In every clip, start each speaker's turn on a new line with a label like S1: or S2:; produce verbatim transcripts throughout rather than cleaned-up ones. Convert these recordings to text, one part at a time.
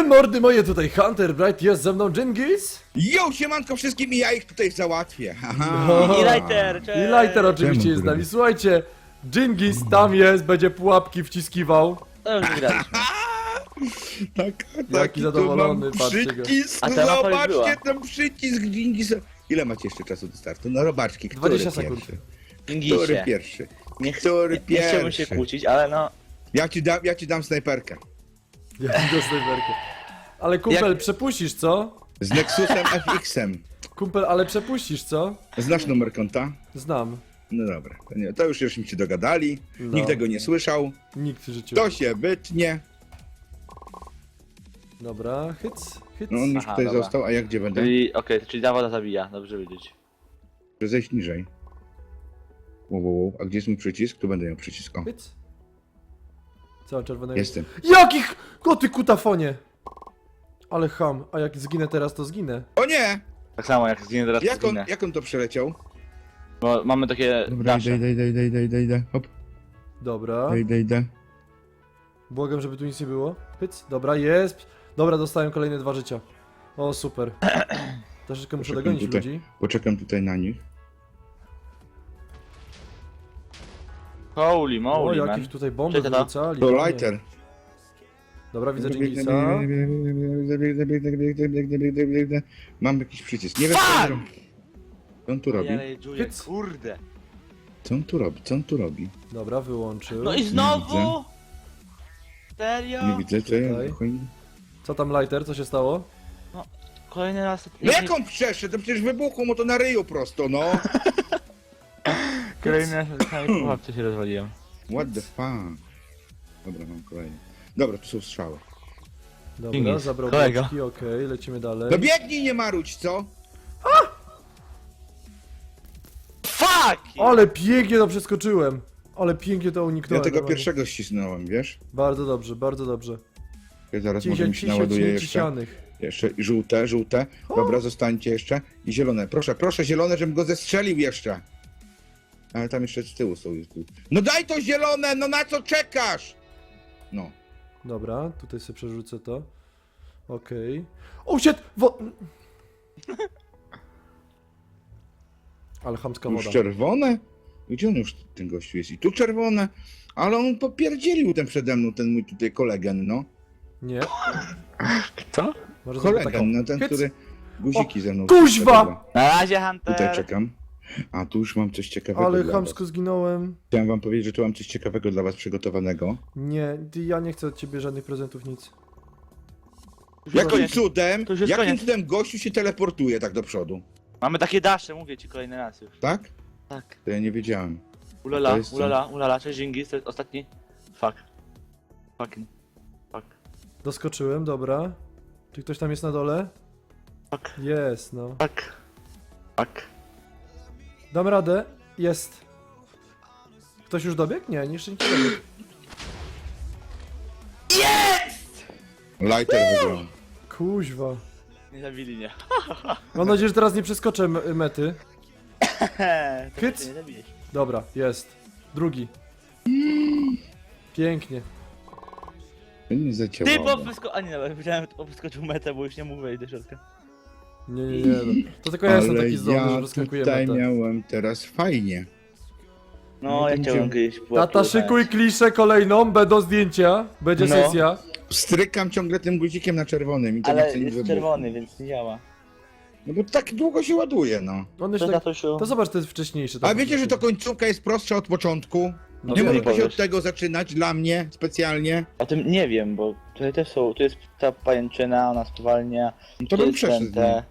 S1: Mordy moje, tutaj Hunter Bright, jest ze mną Dżingis.
S2: Jo, siemanko wszystkim i ja ich tutaj załatwię. Aha.
S1: No.
S3: I Lighter,
S1: I
S3: cześć!
S1: Lighter oczywiście
S2: Czemu,
S1: jest z nami.
S2: kurde?
S1: Słuchajcie, Dżingis tam jest, będzie pułapki wciskiwał.
S3: To już wygraliśmy.
S2: Tak,
S1: Jaki zadowolony,
S2: tu mam
S1: patrzcie go.
S2: przycisk,
S3: A ta mapa już była.
S2: zobaczcie ten przycisk Dżingisa. Ile macie jeszcze czasu do startu? No robaczki, który
S1: dwadzieścia sekund.
S2: pierwszy? Który
S3: Ingisie.
S2: pierwszy?
S3: Nie, ch
S2: Który
S3: nie, nie chciałbym się
S2: pierwszy?
S3: kłócić, ale no...
S2: Ja ci dam, ja ci dam snajperkę.
S1: Jaki do snajperkę. Ale kumpel,
S3: Jak-
S1: przepuścisz, co?
S2: Z Nexusem F X-em.
S1: Kumpel, ale przepuścisz, co?
S2: Znasz numer konta?
S1: Znam.
S2: No dobra, to, nie, to już żeśmy się dogadali.
S1: No.
S2: Nikt tego nie słyszał.
S1: Nikt w życiu.
S2: To się wytnie.
S1: Dobra, hyc, hyc.
S2: No on już
S3: Aha,
S2: tutaj
S3: dobra.
S2: został, a ja gdzie będę?
S3: Czyli, okej, czyli ta woda zabija, dobrze wiedzieć.
S2: Muszę zejść niżej. Wow, wow, wow. A gdzie jest mój przycisk? Tu będę miał przycisk. O,
S1: Hyc. Co, czerwonego?
S2: jestem.
S1: Jakich? O ty kutafonie! Ale ham, a jak zginę teraz, to zginę.
S2: O nie!
S3: Tak samo jak zginę teraz,
S2: Jak
S3: to
S2: on,
S3: zginę.
S2: jak on to przeleciał?
S3: Bo mamy takie
S2: Dobra,
S3: dasze.
S2: idę, idę, idę, idę, idę, idę. Hop,
S1: Dobra.
S2: idę, idę, idę.
S1: Błagam, żeby tu nic nie było. Hyc, dobra, jest. Dobra, dostałem kolejne dwa życia. O, super. Troszeczkę muszę
S2: Poczekam
S1: dogonić
S2: tutaj.
S1: ludzi.
S2: Poczekam tutaj na nich.
S3: Holy
S1: O,
S3: moly, man.
S1: jakich tutaj bomby
S3: Cześć, tata.
S1: wrzucali.
S2: To
S1: panie.
S2: lighter.
S1: Dobra, widzę
S2: Biegnę,
S1: Dżingisa.
S2: biegnę, biegnę, biegnę, biegnę, biegnę, biegnę, biegnę, biegnę. Mam jakiś przycisk. Nie wiem co on robi. Co on tu robi?
S3: Ale Julia,
S1: Hyc.
S3: kurde.
S2: Co on tu robi? Co on tu robi?
S1: Dobra, wyłączył.
S3: No i znowu? Serio?
S2: Nie widzę, co ja...
S1: Czekaj. Co tam, Lighter? Co się stało?
S3: Kolejny raz...
S2: No jak on przeszedł? To przecież wybuchło mu to na ryju prosto, no.
S3: Kolejny raz na samej pułapce się rozwaliłem.
S2: What the fuck? Dobra, mam kolejny. Dobra, tu są strzały.
S1: Dobra,
S3: Dżingis,
S1: zabrał
S3: kolego.
S1: boczki, okej, lecimy dalej.
S2: No biegnij, nie maruć, co?
S3: Fuck!
S1: Ale pięknie to przeskoczyłem. Ale pięknie to
S2: Ja
S1: uniknąłem.
S2: tego
S1: normalnie.
S2: pierwszego ścisnąłem, wiesz?
S1: Bardzo dobrze, bardzo dobrze.
S2: Ja zaraz może mi się
S1: Dziesięć
S2: naładuje jeszcze.
S1: ciesianych.
S2: Jeszcze i żółte, żółte. Dobra, zostańcie jeszcze. I zielone. Proszę, proszę, zielone, żebym go zestrzelił jeszcze. Ale tam jeszcze z tyłu są. No daj to zielone, no na co czekasz? No.
S1: Dobra, tutaj sobie przerzucę to. Okej. O, shit! Wo... Ale chamska
S2: Już
S1: woda.
S2: czerwone? Gdzie on już, ten gościu jest? I tu czerwone. Ale on popierdzielił ten przede mną, ten mój tutaj kolegen, no.
S1: Nie.
S3: Co?
S1: Może zrobię taką.
S2: Kolegen, no ten,
S1: Hyc.
S2: który guziki ze mną.
S1: kuźwa!
S2: Dobra,
S3: Na razie, Hunter!
S2: tutaj czekam. A tu już mam coś ciekawego
S1: Ale
S2: dla
S1: chamsko
S2: was.
S1: zginąłem.
S2: Chciałem wam powiedzieć, że tu mam coś ciekawego dla was przygotowanego.
S1: Nie, ty, ja nie chcę od ciebie żadnych prezentów, nic.
S2: Jakim
S3: koniec.
S2: cudem,
S3: To już jest
S2: jakim
S3: koniec.
S2: cudem gościu się teleportuje tak do przodu?
S3: Mamy takie dasze, mówię ci kolejny raz już.
S2: Tak?
S3: Tak.
S2: To ja nie wiedziałem.
S3: Ulala,
S2: To jest co?
S3: ulala, ulala, cześć Dżingis, to jest ostatni. Fuck. Fucking. Fuck.
S1: Doskoczyłem, dobra. Czy ktoś tam jest na dole?
S3: Fuck.
S1: Jest, no.
S3: Fuck. Fuck.
S1: Dam radę. Jest. Ktoś już dobiegł? Nie, jeszcze nikt nie dobiegł.
S2: Lighter wygrał.
S1: Kuźwa.
S3: Nie zabili mnie.
S1: Mam nadzieję, że teraz nie przeskoczę m- mety.
S3: To
S1: Hyc.
S3: się nie zabijesz.
S1: Dobra, jest. Drugi. Pięknie.
S2: To nie
S3: Ty,
S2: zaciałało.
S3: bo wysko... A nie, dobra, powiedziałem, że wyskoczył metę, bo już nie mógł wejść do środka.
S1: Nie, nie, nie. No. To tylko ja jestem
S2: Ale
S1: taki zdolny, że
S2: ja
S1: wyskakuję
S2: tutaj
S1: metę.
S2: miałem teraz fajnie.
S3: No,
S2: No
S3: ja
S2: to
S3: chciałem
S2: musimy-
S3: kiedyś pułapkę
S1: Tata, szykuj
S3: uznać.
S1: kliszę kolejną, będą zdjęcia, będzie
S3: No.
S1: sesja.
S2: Strykam ciągle tym guzikiem na czerwonym i to nie
S3: Ale
S2: chce nic
S3: jest
S2: wybuchu.
S3: czerwony, więc nie działa.
S2: No bo tak długo się ładuje, no.
S1: On
S3: Co
S1: jeszcze tak...
S3: tatusiu?
S1: To zobacz, to jest wcześniejsze.
S2: A
S1: tak
S2: wiecie, że to końcówka jest prostsza od początku?
S1: No
S2: Nie
S1: wiem.
S2: mogę się
S3: powiesz.
S2: od tego zaczynać, dla mnie specjalnie.
S3: O tym nie wiem, bo tutaj też są, tu jest ta pajęczyna, ona spowalnia.
S2: No to
S3: tu
S2: bym
S3: jest
S2: przeszedł.
S3: ten te...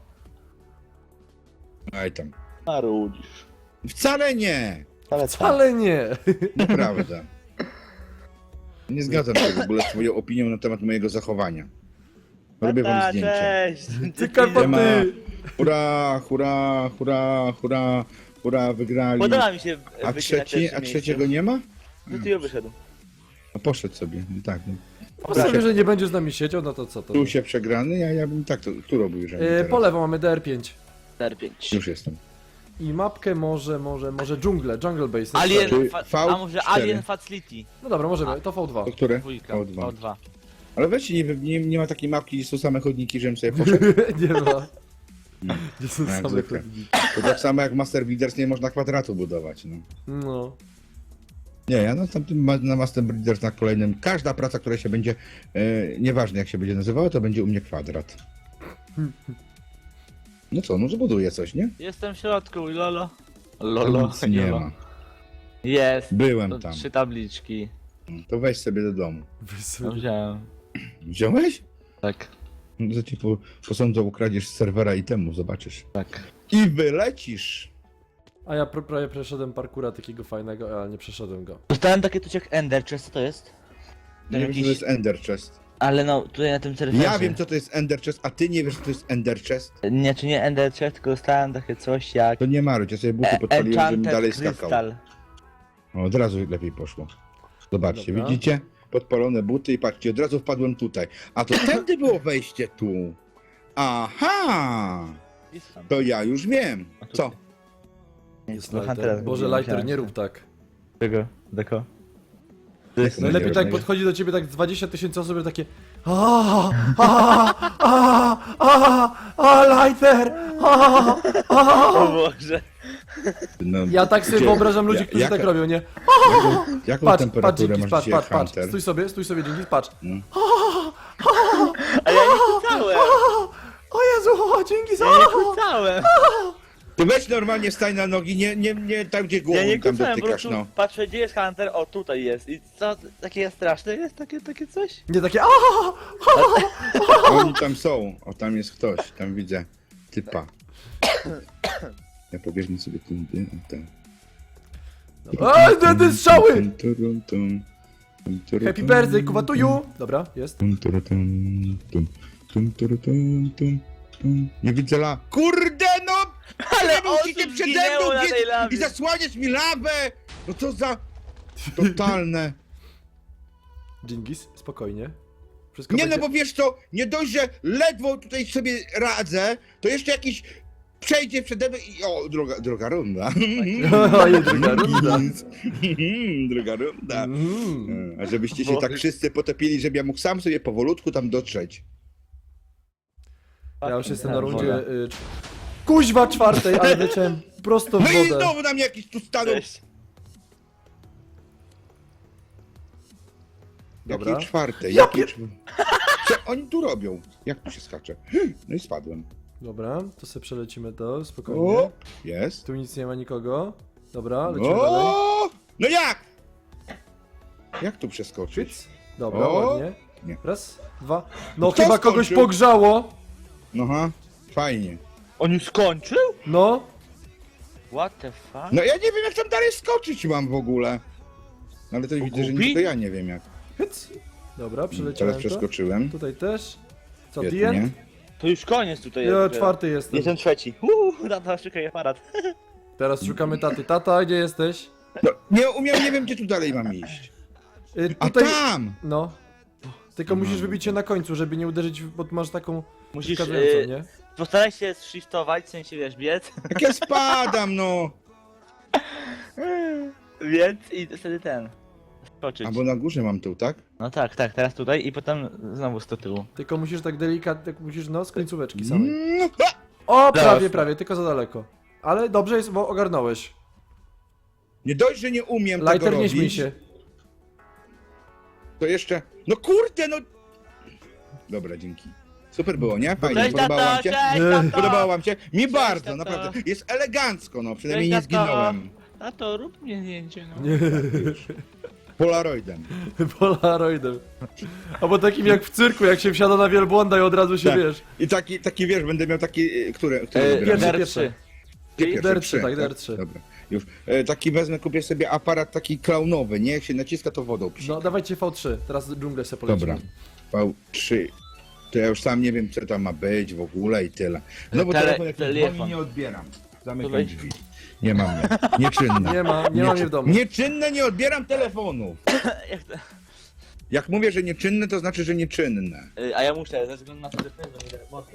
S2: Aj tam.
S3: Marudzisz.
S2: Wcale nie!
S3: Ale co?
S1: Ale nie.
S2: Nieprawda. Nie zgadzam się w ogóle z twoją opinią na temat mojego zachowania. Robię wam
S3: Tata,
S2: zdjęcie.
S3: cześć!
S1: Ty Karpaty.
S2: Hurra, hurra, hurra, hurra, hurra, wygrali.
S3: Podoba mi się
S2: A,
S3: bycie na
S2: trzeci,
S3: pierwszym
S2: a
S3: miejscu.
S2: trzeciego nie ma?
S3: No ty ją wyszedł.
S2: No poszedł sobie, no tak. No.
S1: Postawię, że nie będzie z nami siedział, no to co to?
S2: Tu się przegrany, ja, ja bym tak to, tu robił, że
S1: E, po lewo mamy D R pięć.
S3: R pięć.
S2: Już jestem.
S1: I mapkę może, może, może dżunglę, Jungle Base.
S3: Alien,
S2: Czyli
S3: fa-
S2: V
S3: a może
S2: cztery.
S3: Alien Facility?
S1: No dobra, możemy, to V dwa.
S2: To które?
S3: Dwójka,
S2: O dwa.
S3: O dwa.
S2: Ale weźcie, nie, nie, nie ma takiej mapki, gdzie są same chodniki, żebym sobie poszedł.
S1: Nie ma. Gdzie są
S2: Jak
S1: same
S2: zwykle.
S1: chodniki.
S2: To tak samo jak Master Builders nie można kwadratu budować, no.
S1: No.
S2: Nie, ja na tamtym ma- na Master Builders na kolejnym, każda praca, która się będzie, e, nieważne jak się będzie nazywała, to będzie u mnie kwadrat. No co, no zbuduję coś, nie?
S3: Jestem w środku, lolo.
S2: Tam
S3: Lolo,
S2: nic nie
S3: lolo.
S2: ma.
S3: Jest.
S2: Byłem
S3: To
S2: tam.
S3: trzy tabliczki.
S2: To weź sobie do domu.
S1: Weź
S3: No
S1: sobie.
S3: wziąłem.
S2: Wziąłeś?
S3: Tak,
S2: No to ci po, posądzą, ukradziesz z serwera itemów, zobaczysz.
S3: tak.
S2: I wylecisz!
S1: A ja pr- prawie przeszedłem parkura takiego fajnego, ale nie przeszedłem go.
S3: Dostałem takie coś jak Ender Chest, co to jest?
S2: Nie wiem, co to jest Ender Chest.
S3: Ale no, tutaj na tym serwerze.
S2: Ja wiem, co to jest Ender Chest, a ty nie wiesz, co to jest Ender Chest?
S3: Nie, czy nie Ender Chest, tylko dostałem takie coś jak...
S2: To nie maruć, ja sobie buty
S3: E-
S2: podpaliłem, żebym
S3: Enchanted
S2: dalej skakał.
S3: Crystal.
S2: O, od razu lepiej poszło. Zobaczcie,
S1: Dobra.
S2: widzicie? Podpalone buty i patrzcie, od razu wpadłem tutaj. A to tędy było wejście tu. Aha!
S3: Jest tam.
S2: To ja już wiem.
S3: A tu-
S2: Co?
S1: Jest
S3: No,
S1: lighter.
S3: Huntera
S1: Boże,
S3: zrobiłem,
S1: lighter, nie
S3: myślałem,
S1: rób tak.
S3: Czego? Deko?
S2: Jak to
S1: Najlepiej
S2: będzie
S1: tak
S2: robić?
S1: podchodzi do ciebie tak dwadzieścia tysięcy osób i takie a a a a a lighter a a
S3: O Boże.
S2: No,
S1: Ja tak sobie
S2: gdzie-
S1: wyobrażam ludzi,
S2: ja-
S1: którzy
S2: jaka-
S1: tak robią, nie?
S2: Jaką, jaką
S1: Patrz, patrz,
S2: temperaturę
S1: dzięki,
S2: masz
S1: patrz,
S2: dzisiaj,
S1: patrz, patrz.
S2: Hunter?
S1: Stój sobie, stój sobie, dzięki, patrz.
S2: No.
S3: A ja nie kucałem!
S1: O Jezu, o, dzięki za...
S3: Ja nie kucałem!
S2: Ty weź normalnie stań na nogi, nie, nie, nie tam gdzie głową
S3: Ja nie
S2: tam
S3: kucałem, po
S2: dotykasz,
S3: prostu
S2: no.
S3: patrzę gdzie jest Hunter, o tutaj jest. I co, takie straszne jest? Takie, takie coś?
S1: Nie takie a
S2: Oni tam są, o tam jest ktoś, tam widzę typa. Ja pobieżmy sobie tędy, o ten.
S1: Ej, te, te strzały!
S2: Tum, turum, tum. Tum, turum,
S1: Happy
S2: tum.
S1: birthday, kuwatuju! Dobra, jest.
S2: Tum, turum, tum, tum. Tum, turum, tum, tum, tum. Nie widzę la... Kurde no!
S3: Ale
S2: Nie
S3: osób
S2: musicie przede
S3: zginęło
S2: mną
S3: na
S2: biec
S3: tej lawie.
S2: i zasłaniać mi lawę! No co za... Totalne.
S1: Dżingis, spokojnie. Wszystko
S2: Nie no
S1: będzie...
S2: bo wiesz co, nie dość, że ledwo tutaj sobie radzę, to jeszcze jakiś przejdzie przede mną i... O, druga, druga runda.
S1: Oj, druga runda.
S2: Druga runda.
S1: Mm.
S2: A żebyście się tak wszyscy potopili, żebym ja mógł sam sobie powolutku tam dotrzeć.
S1: Ja już jestem na
S3: Tak,
S1: rundzie...
S3: woda.
S1: Y... Kuźwa czwartej, ale leciałem prosto w
S2: No i
S1: wodę.
S2: znowu na mnie jakiś tu stanął.
S3: Cześć.
S1: Dobra.
S2: Jakiej czwartej?
S1: Ja
S2: Jakiej czw- Co oni tu robią? Jak tu się skacze? No i spadłem.
S1: Dobra, to sobie przelecimy to, spokojnie.
S2: O, jest.
S1: Tu nic nie ma nikogo. Dobra, lecimy dalej.
S2: O, no jak? Jak tu przeskoczyć?
S1: Czyc. Dobra,
S2: O!
S1: ładnie.
S2: Nie.
S1: Raz, dwa. No
S2: Kto
S1: chyba kogoś
S2: skończył?
S1: pogrzało.
S2: No ha, fajnie.
S3: On już skończył?
S1: No.
S3: What the fuck?
S2: No ja nie wiem jak tam dalej skoczyć mam w ogóle. No ale to widzę, że nie,
S3: Gubi?
S2: to ja nie wiem jak.
S1: Hyc. Dobra,
S2: Teraz
S1: przeleciałem to.
S2: przeskoczyłem.
S1: Tutaj też. Co, the
S2: Świetnie.
S1: end?
S3: To już koniec tutaj
S1: Ja
S3: jest.
S1: czwarty jestem.
S3: Jestem trzeci. Uuu, tata, szukaj aparat.
S1: Teraz szukamy taty. Tata, gdzie jesteś?
S2: No, nie umiem, nie wiem gdzie tu dalej mam iść.
S1: Y,
S2: A
S1: tutaj...
S2: tam!
S1: No. Tylko musisz wybić się na końcu, żeby nie uderzyć, w- bo masz taką
S3: Musisz,
S1: wskazującą,
S3: y,
S1: nie?
S3: postaraj się shiftować, w sensie wiesz, biec.
S2: Jak ja spadam, no!
S3: Więc i wtedy ten. Skoczyć.
S2: Albo na górze mam tu, tak?
S3: No tak, tak, teraz tutaj i potem znowu z do tyłu.
S1: Tylko musisz tak delikatnie, tak musisz no z końcóweczki samej.
S2: Mm, a!
S1: O, prawie,
S3: Teraz.
S1: prawie, tylko za daleko. Ale dobrze jest, bo ogarnąłeś.
S2: Nie dość, że nie umiem tego
S1: Lighter, nie
S2: robić,
S1: śmiej się.
S2: to jeszcze... No kurde, no! Dobra, dzięki. Super było, nie? Fajnie,
S3: Cześć
S2: podobało
S3: tato,
S2: wam się?
S3: cześć
S1: Nie.
S3: tato!
S2: Podobało wam się? Mi
S3: Cześć,
S2: bardzo,
S3: tato.
S2: naprawdę. Jest elegancko, no, przynajmniej
S3: Cześć,
S2: nie
S3: tato.
S2: zginąłem.
S3: Tato, rób mnie zdjęcie, no.
S1: Nie,
S2: Polaroidem.
S1: Polaroidem. Albo takim jak w cyrku, jak się wsiada na wielbłąda i od razu się
S2: Tak.
S1: wiesz.
S2: I taki, taki wiesz, będę miał taki... y, Które? które
S3: E,
S2: wybieramy?
S1: pierwszy,
S3: D R
S1: pierwszy.
S3: trzy.
S2: Gdzie pierwszy?
S1: D R trzy,
S2: Trzy,
S1: tak, D R trzy.
S2: Dobra, już. E, taki wezmę, kupię sobie aparat taki klaunowy, nie? Jak się naciska, to wodą przy.
S1: No dawajcie V trzy, teraz dżunglę sobie polecimy.
S2: Dobra. V trzy. To ja już sam nie wiem, co tam ma być w ogóle i tyle. No bo
S3: Tele-
S2: telefon jak
S3: telefon.
S2: dzwoni, nie odbieram. Zamykam
S3: weź.
S2: drzwi. Nie mam mnie. Nieczynne.
S1: Nie ma, nie ma mnie w domu.
S2: Nieczynne, nie odbieram telefonu.
S3: Jak to?
S2: Jak mówię, że nieczynne, to znaczy, że nieczynne.
S3: Y, A ja muszę, ze względu na to, że pędzą mi mocno.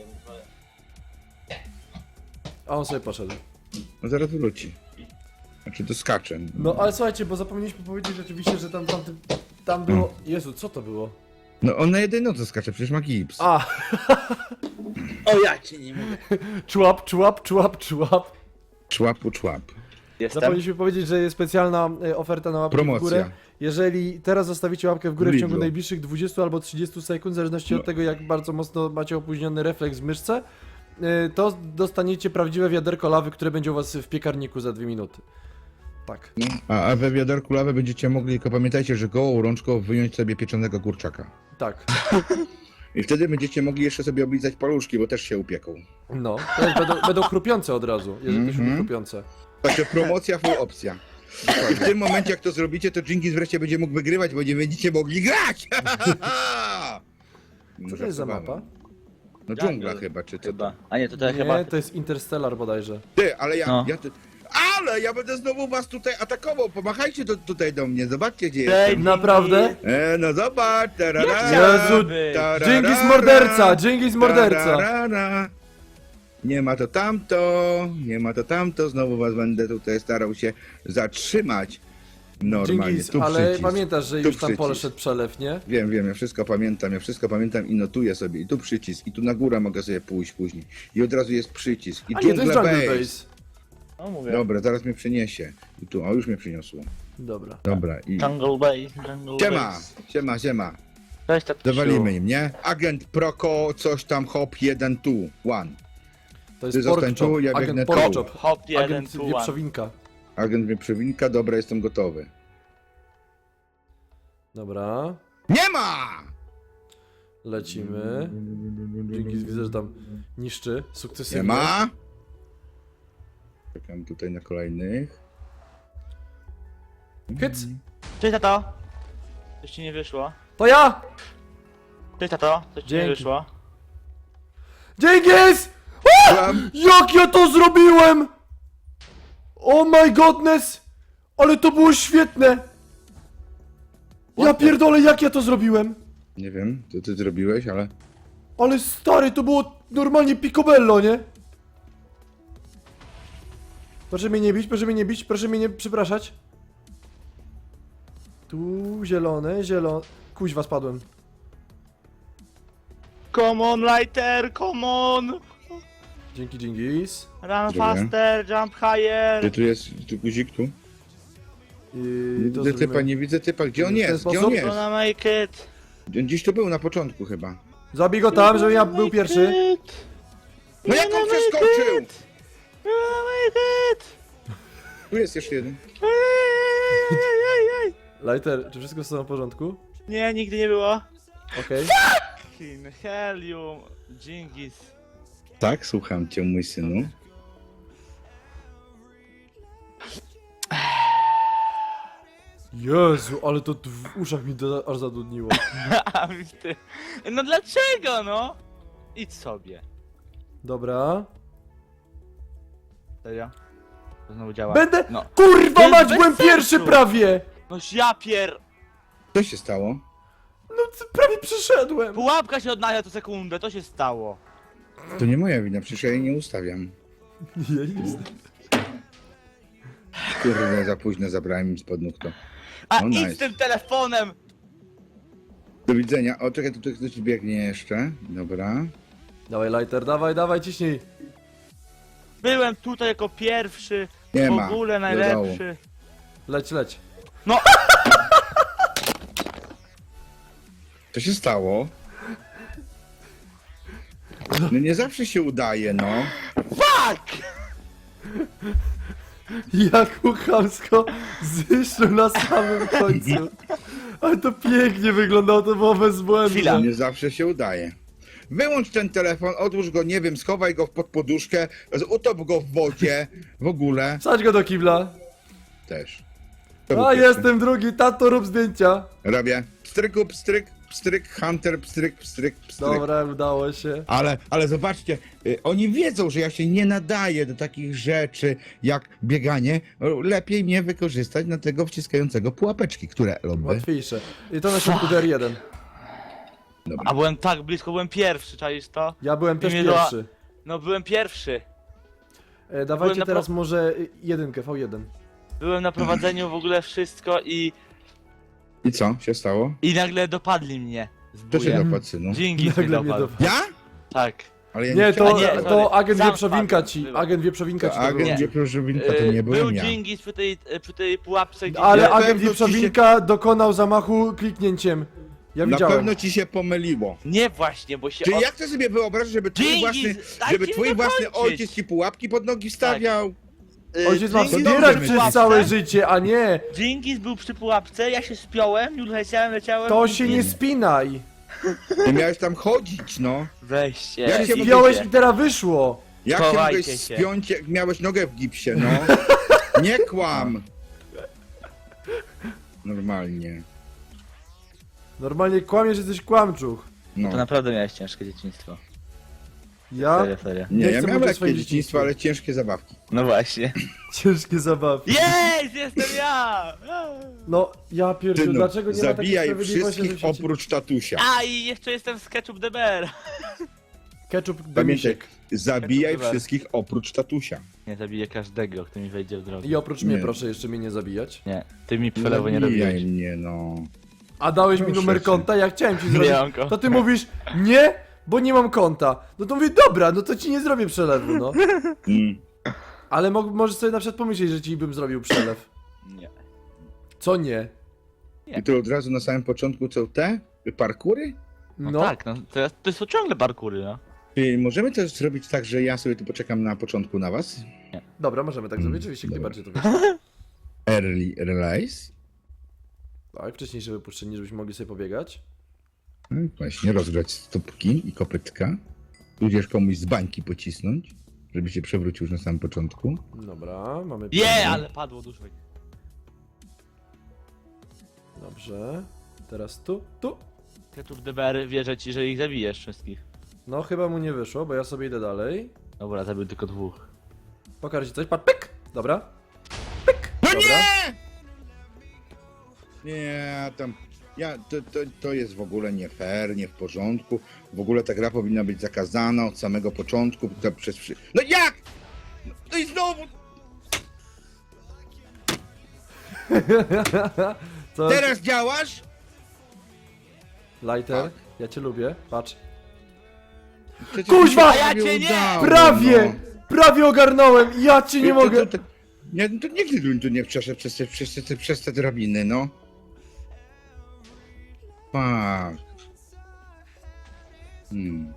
S1: A on sobie poszedł.
S2: No zaraz wróci. Znaczy, to skaczę.
S1: No ale słuchajcie, bo zapomnieliśmy powiedzieć rzeczywiście, że tam, tam, tam było... Jezu, co to było?
S2: No on na jednej nodze skacze, przecież ma gips.
S1: A,
S3: O ja cię nie mówię.
S1: człap, człap, człap, człap.
S2: Człapu człap.
S3: Jestem.
S1: Zapomnieliśmy powiedzieć, że jest specjalna e, oferta na łapkę w
S2: Promocja.
S1: górę. Jeżeli teraz zostawicie łapkę w górę w ciągu
S2: Lidlu.
S1: najbliższych dwudziestu albo trzydziestu sekund, w zależności
S2: No.
S1: od tego, jak bardzo mocno macie opóźniony refleks w myszce, e, to dostaniecie prawdziwe wiaderko lawy, które będzie u was w piekarniku za dwie minuty. Tak.
S2: A, a we wiaderku lawy będziecie mogli, tylko pamiętajcie, że gołą rączką wyjąć sobie pieczonego kurczaka.
S1: Tak.
S2: I wtedy będziecie mogli jeszcze sobie oblizać paluszki, bo też się upieką.
S1: No. To jest, będą, będą chrupiące od razu, jeżeli to się
S2: Mhm.
S1: chrupiące.
S2: Także promocja, full opcja. I w tym momencie, jak to zrobicie, to Dżingis wreszcie będzie mógł wygrywać, bo nie będziecie mogli grać!
S1: Co to jest za mapa?
S2: No dżungla chyba, czy co?
S3: Chyba. A nie, to to
S1: Nie,
S3: chyba...
S1: to jest Interstellar bodajże.
S2: Ty, ale ja,
S3: No.
S2: ja ty... Ale ja będę znowu was tutaj atakował, pomachajcie do, tutaj do mnie, zobaczcie gdzie
S3: Ej,
S2: jestem.
S1: Naprawdę?
S2: E, no zobacz, tarara,
S1: Jezu,
S2: tarara,
S1: Dżingis morderca, Dżingis morderca.
S2: tarara. Nie ma to tamto, nie ma to tamto, znowu was będę tutaj starał się zatrzymać. Normalnie,
S1: Dżingis,
S2: tu
S1: ale
S2: przycisk.
S1: pamiętasz, że
S2: Tu
S1: już tam
S2: przycisk.
S1: poszedł przelew, nie?
S2: Wiem, wiem, ja wszystko pamiętam, ja wszystko pamiętam i notuję sobie. I tu przycisk, i tu na górę mogę sobie pójść później. I od razu jest przycisk. I
S1: A nie, to jest
S2: Jungle
S1: Jungle
S2: Base.
S1: Base.
S3: No mówię.
S2: Dobra, zaraz mnie przyniesie. I tu, o już mnie przyniosło.
S1: Dobra.
S2: Dobra, i...
S3: Jungle Bay, Jungle
S2: Siema,
S3: Base.
S2: siema, siema.
S3: Cześć, tak
S2: Zawalimy im, nie? Agent Proko, coś tam, hop, jeden, tu, one.
S1: To
S2: Ty
S1: jest
S2: zostań
S1: pork
S2: tu,
S1: chop,
S2: ja biegnę
S1: agent
S2: tu.
S1: pork chop,
S3: Hop jeden,
S1: agent
S3: tu one.
S1: wieprzowinka.
S2: Agent mnie przewinka, dobra, jestem gotowy.
S1: Dobra,
S2: Nie ma!
S1: lecimy. Dzięki, widzę, że tam niszczy
S2: Nie
S1: sukcesywnie.
S2: ma! Czekam tutaj na kolejnych.
S1: Hyc!
S3: Cześć, tato. Coś ci nie wyszło.
S1: To ja!
S3: Cześć, tato. Coś ci nie
S1: Dzięki.
S3: wyszło.
S1: Dzięgis!
S2: Tam.
S1: Jak ja to zrobiłem! Oh my godness! Ale to było świetne! Ja pierdolę, jak ja to zrobiłem!
S2: Nie wiem, co ty zrobiłeś, ale...
S1: Ale stary, to było normalnie picobello, nie? Proszę mnie nie bić, proszę mnie nie bić, proszę mnie nie przepraszać. Tu zielone, zielone... Kuźwa, spadłem.
S3: Come on, lighter, come on!
S1: Dzięki, Dżingis.
S3: Run
S2: Dobra.
S3: faster, jump higher!
S2: Gdzie tu jest, tu guzik, tu?
S1: I
S2: Nie
S1: to
S2: widzę typa,
S1: zrobimy.
S2: nie widzę typa, gdzie on
S1: W ten
S2: jest, gdzie
S1: sposób?
S2: on jest?
S3: Gonna make it!
S2: On gdzieś tu był na początku chyba.
S1: Zabij go tam, żebym ja był pierwszy.
S2: No jak on przeskoczył?
S3: Gonna make it!
S2: Tu jest jeszcze jeden.
S3: Ej, ej, ej, ej.
S1: Lighter, czy wszystko jest w porządku?
S3: Nie, nigdy nie było.
S1: Okej.
S3: Fucking helium, Dżingis.
S2: Tak, słucham cię, mój synu.
S1: Jezu, ale to w uszach mi do, aż zadudniło.
S3: A ty. No dlaczego, no? Idź sobie.
S1: Dobra.
S3: Serio? To znowu działa.
S1: Będę...
S3: No.
S1: Kurwa
S3: Jest
S1: mać,
S3: bez
S1: byłem
S3: sensu.
S1: pierwszy prawie!
S3: No ja pier...
S2: Co się stało?
S1: No c- prawie przyszedłem.
S3: Pułapka się odnawia co sekundę, to się stało.
S2: To nie moja wina, przecież ja jej nie ustawiam.
S1: Ja nic.
S2: Kurde, za późno zabrałem im spod nóg to.
S3: A
S2: No
S3: idź
S2: nice.
S3: z tym telefonem!
S2: Do widzenia. O, czekaj, tu tu ktoś biegnie jeszcze. Dobra.
S1: Dawaj, Lighter, dawaj, dawaj, ciśnij.
S3: Byłem tutaj jako pierwszy,
S2: Nie
S3: w
S2: ma.
S3: ogóle
S2: Do
S3: najlepszy.
S1: Leć, leć.
S3: No,
S2: Co się stało? No nie zawsze się udaje, no.
S3: fuck!
S1: Jak mu chamsko zniszczył na samym końcu. Ale to pięknie wyglądało, to było bezbłędne.
S3: Chwila.
S2: Nie zawsze się udaje. Wyłącz ten telefon, odłóż go, nie wiem, schowaj go pod poduszkę, utop go w wodzie, w ogóle.
S1: Wsadź go do kibla.
S2: Też. To był
S1: A,
S2: pierwszy.
S1: jestem drugi, tato, rób zdjęcia.
S2: Robię. Pstryku, pstryk, pstryk, hunter, pstryk, pstryk, pstryk.
S1: Dobra, udało się.
S2: Ale, ale zobaczcie, y, oni wiedzą, że ja się nie nadaję do takich rzeczy jak bieganie. O, lepiej mnie wykorzystać na tego wciskającego pułapeczki, które lubię.
S1: Łatwiejsze. I to na środku D R jeden.
S3: A byłem tak blisko, byłem pierwszy, czaisz to?
S1: Ja byłem też
S3: Imię do-
S1: pierwszy.
S3: No byłem pierwszy.
S1: E, dawajcie
S3: Byłem na
S1: teraz
S3: pro-
S1: może y, jedynkę, V jeden.
S3: Byłem na prowadzeniu w ogóle wszystko i...
S2: I co się stało?
S3: I nagle dopadli mnie.
S2: To się
S3: Zbuję.
S2: dopadł, synu.
S3: Dżingis
S1: Nagle
S3: mnie
S1: mnie
S3: dopadł.
S1: dopadł.
S2: Ja?
S3: Tak.
S2: Ale ja nie,
S1: Nie,
S2: chciałem.
S1: to,
S3: nie,
S1: to
S3: sorry.
S1: agent
S3: Sam
S1: wieprzowinka
S3: wpadłem,
S1: ci,
S3: bywa.
S1: agent wieprzowinka
S2: To
S1: ci to było.
S2: agent Wieprzowinka to nie
S3: Yy,
S2: byłem
S3: Był
S2: ja.
S3: Dżingis przy tej, przy tej pułapce, gdzie...
S1: Ale
S2: Na
S1: agent
S2: pewno ci
S1: wieprzowinka dokonał zamachu kliknięciem. Ja
S2: Na
S1: widziałem.
S2: pewno ci się pomyliło.
S3: Nie właśnie, bo się...
S2: Czy
S3: od-
S2: jak ty sobie wyobrażasz, żeby twój
S3: Dżingis,
S2: własny,
S3: dajcie
S2: żeby
S3: mi
S2: twój własny
S3: dokończyć.
S2: ojciec ci pułapki pod nogi wstawiał?
S3: Yy,
S1: Ojciec ma
S3: Dżingis
S1: wspierać
S3: był
S2: dobrze
S3: przy
S1: przez
S2: myślisz.
S1: całe
S3: pułapce,
S1: życie, a nie.
S3: Dżingis był przy pułapce, ja się spiąłem, już leciałem, leciałem...
S1: To
S3: i-
S1: się nie spinaj.
S2: Ty miałeś tam chodzić, no.
S3: Weźcie.
S2: Jak się
S1: Spiąłeś i teraz wyszło.
S2: Jak się
S3: Chowajcie
S2: mogłeś
S3: się.
S2: spiąć, jak miałeś nogę w gipsie, no? Nie kłam! Normalnie.
S1: Normalnie kłamiesz, że jesteś kłamczuch.
S2: No.
S3: To naprawdę miałeś ciężkie dzieciństwo.
S1: Ja?
S3: Serio, serio.
S2: Nie,
S1: Nie
S2: ja
S1: chcę
S2: miałem
S1: mówić o
S2: lekkie
S1: swoim
S2: dzieciństwo,
S1: dzieciństwie.
S2: ale ciężkie zabawki.
S3: No właśnie.
S1: Ciężkie zabawy.
S3: Jest, jestem ja!
S1: No, ja pierdziu,
S2: Synu,
S1: dlaczego nie ma takiej
S2: zabijaj
S1: sprawiedliwości,
S2: wszystkich
S1: że się...
S2: oprócz tatusia.
S3: A i jeszcze jestem z Ketchup D B R.
S1: Ketchup
S2: Pamiętaj,
S1: demisiek.
S2: zabijaj
S3: Ketchup
S2: wszystkich oprócz tatusia.
S3: Nie zabiję każdego, kto mi wejdzie w drogę.
S1: I oprócz mnie
S2: Nie.
S1: proszę jeszcze mnie nie zabijać.
S3: Nie, ty mi przelewu nie
S2: Zabijaj
S3: robiłeś.
S2: mnie, no.
S1: A dałeś mi
S2: Proszę
S1: numer
S2: cię.
S1: konta, ja chciałem ci
S3: Nie
S1: zrobić.
S3: mam konta.
S1: To ty mówisz, nie, bo nie mam konta. No to mówię, dobra, no to ci nie zrobię przelewu, no.
S2: Mm.
S1: Ale mo możesz sobie na przykład pomyśleć, że ci bym zrobił przelew.
S3: Nie.
S1: Co nie?
S2: I to od razu na samym początku co te? Parkury?
S3: No,
S1: No,
S3: tak, no to, to są ciągle parkury, no.
S2: Czy możemy też zrobić tak, że ja sobie tu poczekam na początku na was?
S1: dobra, możemy tak zrobić, oczywiście, jak
S2: Dobra.
S1: najbardziej to wiesz.
S2: Early release?
S1: Tak, wcześniejsze wypuszczenie, żebyśmy mogli sobie pobiegać.
S2: No, właśnie, rozgrać stópki i kopytka. Tudzież komuś z bańki pocisnąć, żeby się przewrócił już na samym początku.
S1: Dobra, mamy...
S3: Je, ale padło dużo.
S1: Dobrze. Teraz tu, tu.
S3: Ketchup D B R wierzę ci, że ich zabijesz wszystkich.
S1: No, chyba mu nie wyszło, bo ja sobie idę dalej.
S3: Dobra, zabił tylko dwóch.
S1: Pokażę ci coś, patrz, pyk! Dobra. Pyk!
S2: No
S1: Dobra.
S2: nie! Nie, tam... Ja, to, to, to jest w ogóle nie fair, nie w porządku. W ogóle ta gra powinna być zakazana od samego początku. To przez... wszy- No jak? No i znowu!
S1: Co?
S2: Teraz działasz?
S1: Lighter,
S2: Tak.
S1: ja cię lubię, patrz.
S2: Przecież
S1: Kuźwa!
S2: mi się
S3: A ja
S2: prawie
S3: cię nie!
S2: udało,
S1: Prawie!
S2: no.
S1: Prawie ogarnąłem! Ja cię nie
S2: To-
S1: mogę!
S2: To, to, nie, to nigdy bym tu nie przeszedł przez te, przez te, przez te drabiny, no. Fuck. Hmm.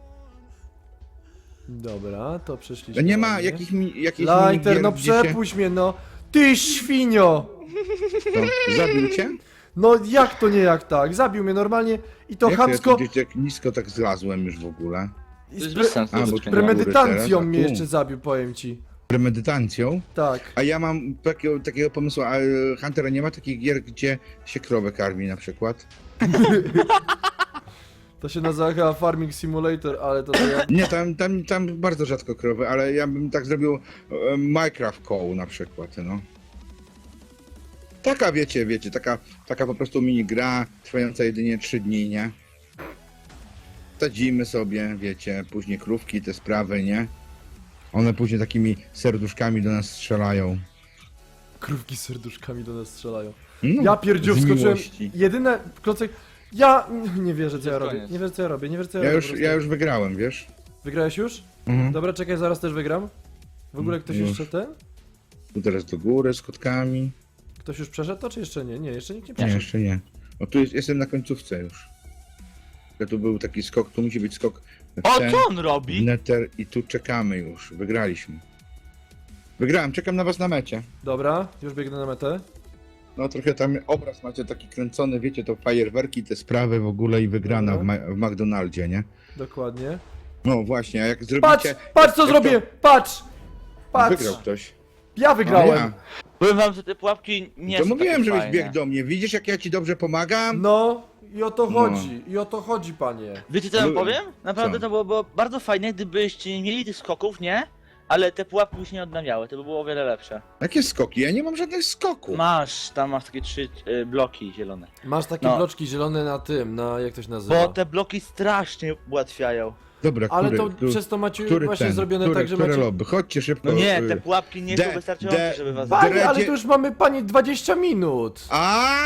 S1: Dobra, to przyszliśmy.
S2: Nie ma
S1: ładnie.
S2: jakich mi, jakich
S1: Lighter,
S2: minigier,
S1: no
S2: gdzie się-
S1: przepuść mnie, no! Ty świnio!
S2: To, zabił cię?
S1: No jak to nie jak tak? Zabił mnie normalnie i to
S2: Jak to
S1: chamsko
S2: ja tu gdzieś tak nisko tak zlazłem już w ogóle.
S1: i
S3: To jest
S1: z
S3: bez
S1: pre
S3: sensu.
S2: A, bo
S3: to
S2: tu
S3: skończenie.
S2: na górę
S1: premedytacją
S2: teraz, a
S1: mnie
S2: tu.
S1: jeszcze zabił, powiem ci.
S2: Premedytacją?
S1: Tak.
S2: A ja mam takiego, takiego pomysłu, a e, Huntera nie ma takich gier, gdzie się krowę karmi na przykład?
S1: To się nazywa chyba Farming Simulator, ale to, to ja...
S2: Nie, tam, tam, tam bardzo rzadko krowy, ale ja bym tak zrobił e, Minecraft Cow na przykład, no. Taka, wiecie, wiecie, taka, taka po prostu mini gra, trwająca jedynie trzy dni, nie? Sadzimy sobie, wiecie, później krówki, te sprawy, nie? One później takimi serduszkami do nas strzelają.
S1: Krówki z serduszkami do nas strzelają.
S2: No,
S1: Ja pierdziu,
S2: z
S1: wskoczyłem.
S2: miłości.
S1: Jedyne klocek. Ja nie wierzę co ja
S3: Jest
S1: robię.
S3: koniec.
S1: Nie wierzę co ja robię, nie wierzę co ja,
S2: Ja
S1: robię.
S2: już,
S1: po prostu.
S2: ja już wygrałem, wiesz?
S1: Wygrałeś już?
S2: Mhm.
S1: Dobra, czekaj, zaraz też wygram. W ogóle ktoś
S2: Już.
S1: jeszcze ten?
S2: Tu teraz do góry z kotkami.
S1: Ktoś już przeszedł to, czy jeszcze nie? Nie, jeszcze nikt nie
S2: Nie,
S1: przeszedł.
S2: jeszcze nie. O, tu jest, jestem na końcówce już. Ja tu był taki skok, tu musi być skok w
S3: O,
S2: ten,
S3: co on
S2: w
S3: robi?
S2: neter i tu czekamy już. Wygraliśmy. Wygrałem, czekam na was na mecie.
S1: Dobra, już biegnę na metę.
S2: No trochę tam obraz macie taki kręcony, wiecie, to fajerwerki, te sprawy w ogóle i wygrana w,
S1: Dobra.
S2: Ma- w McDonaldzie, nie?
S1: Dokładnie.
S2: No właśnie, a jak zrobicie...
S1: Patrz! Patrz co
S2: jak
S1: zrobię!
S2: to-
S1: Patrz! Patrz!
S2: Wygrał ktoś.
S1: Ja wygrałem!
S2: Ja.
S3: Powiem wam, że te pułapki nie
S2: To
S3: są
S2: mówiłem,
S3: takie
S2: żebyś
S3: fajne.
S2: biegł do mnie. Widzisz, jak ja ci dobrze pomagam?
S1: No i o to
S2: No.
S1: chodzi, i o to chodzi, panie.
S3: Wiecie co ja wam
S2: No,
S3: powiem? Naprawdę
S2: co?
S3: to było, było bardzo fajne, gdybyście nie mieli tych skoków, nie? Ale te pułapki by się nie odnawiały, to by było o wiele lepsze.
S2: Jakie skoki? Ja nie mam żadnych skoków.
S3: Masz, tam masz takie trzy y, bloki zielone.
S1: Masz takie
S3: No.
S1: bloczki zielone na tym, na jak to się nazywa.
S3: Bo te bloki strasznie ułatwiają.
S2: Dobra,
S1: Ale
S2: który,
S1: to
S2: który,
S1: przez to macie
S2: który
S1: właśnie
S2: ten,
S1: zrobione
S2: który,
S1: tak, że
S2: które
S1: macie...
S2: lobby? Chodźcie szybko.
S3: No nie,
S2: y,
S3: te pułapki nie
S2: de-
S3: są wystarczające,
S2: de-
S3: żeby was
S2: ba-
S3: zabić.
S1: Panie, ale
S2: Dredzie-
S1: to już mamy, panie, dwadzieścia minut.
S2: A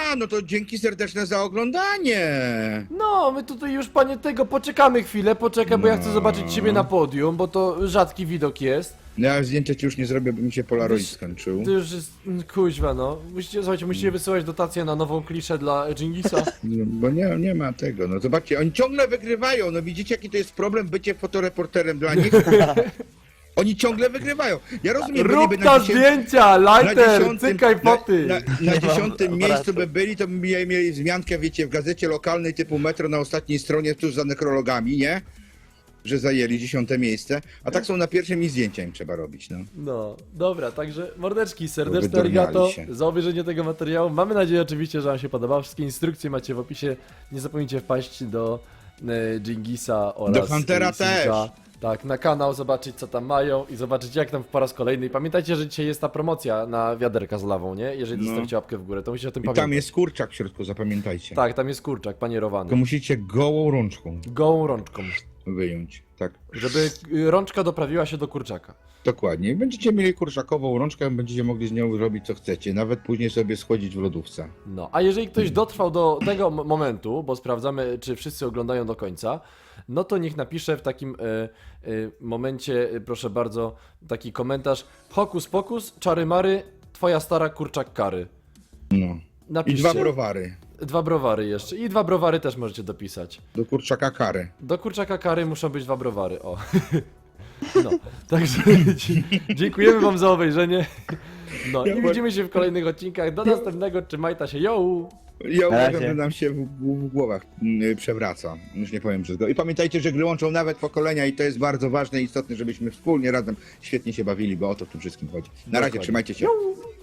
S2: no to dzięki serdeczne za oglądanie.
S1: No, my tutaj już, panie, tego, poczekamy chwilę, poczekaj, bo ja chcę
S2: No.
S1: zobaczyć ciebie na podium, bo to rzadki widok jest.
S2: No ja zdjęcia ci już nie zrobię, bo mi się Polaroid
S1: Wiesz,
S2: skończył.
S1: To już jest, mm, kuźwa, no. Musicie, słuchajcie, musicie wysyłać dotację na nową kliszę dla Dżingisa.
S2: No, bo nie, nie ma tego, no zobaczcie, oni ciągle wygrywają, no widzicie jaki to jest problem bycie fotoreporterem dla nich? Oni ciągle wygrywają. Ja rozumiem, bo
S1: Rób
S2: niby
S1: ta
S2: na dziesię-
S1: zdjęcia,
S2: na
S1: lighter,
S2: dziesiątym,
S1: cykaj foty.
S2: na, na, na
S3: Nie mam
S2: dziesiątym
S3: aparatu.
S2: miejscu by byli, to by mieli, mieli wzmiankę, wiecie, w gazecie lokalnej typu Metro na ostatniej stronie, tuż za nekrologami, nie? Że zajęli dziesiąte miejsce, a tak są na pierwszym i zdjęcia im trzeba robić, no.
S1: No, dobra, także mordeczki, serdeczne
S2: Wydurniali
S1: arigato
S2: się.
S1: za obejrzenie tego materiału. Mamy nadzieję oczywiście, że wam się podobało. Wszystkie instrukcje macie w opisie. Nie zapomnijcie wpaść do e, Dżingisa oraz
S2: Do Huntera
S1: e, Sinka.
S2: też.
S1: Tak, na kanał, zobaczyć co tam mają i zobaczyć jak tam po raz kolejny. I pamiętajcie, że dzisiaj jest ta promocja na wiaderka z lawą, nie? Jeżeli
S2: No.
S1: zostawicie łapkę w górę, to musicie o tym
S2: I
S1: pamiętać.
S2: tam jest kurczak w środku, zapamiętajcie.
S1: Tak, tam jest kurczak panierowany.
S2: Tylko musicie gołą rączką
S1: Gołą rączką,
S2: wyjąć, tak.
S1: żeby y, rączka doprawiła się do kurczaka.
S2: Dokładnie. I będziecie mieli kurczakową rączkę, będziecie mogli z nią robić co chcecie, nawet później sobie schłodzić w lodówce.
S1: No, a jeżeli ktoś dotrwał do tego m- momentu, bo sprawdzamy, czy wszyscy oglądają do końca, no to niech napisze w takim e, e, momencie, e, proszę bardzo, taki komentarz: Hokus pokus, czary mary, twoja stara kurczak kary.
S2: No. I
S1: Napiszcie.
S2: dwa browary.
S1: Dwa browary jeszcze. I dwa browary też możecie dopisać.
S2: Do kurczaka kary.
S1: Do kurczaka kary muszą być dwa browary, o. No, także dzie- dziękujemy wam za obejrzenie. No i widzimy się w kolejnych odcinkach. Do następnego, trzymajta się, yo!
S2: Ja
S3: Na
S2: uważam,
S3: razie.
S2: że nam się w, w głowach mm, przewraca. Już nie powiem wszystko. I pamiętajcie, że gry łączą nawet pokolenia i to jest bardzo ważne i istotne, żebyśmy wspólnie razem świetnie się bawili, bo o to w tym wszystkim chodzi. Na razie,
S1: Dokładnie.
S2: trzymajcie się.
S1: Yo!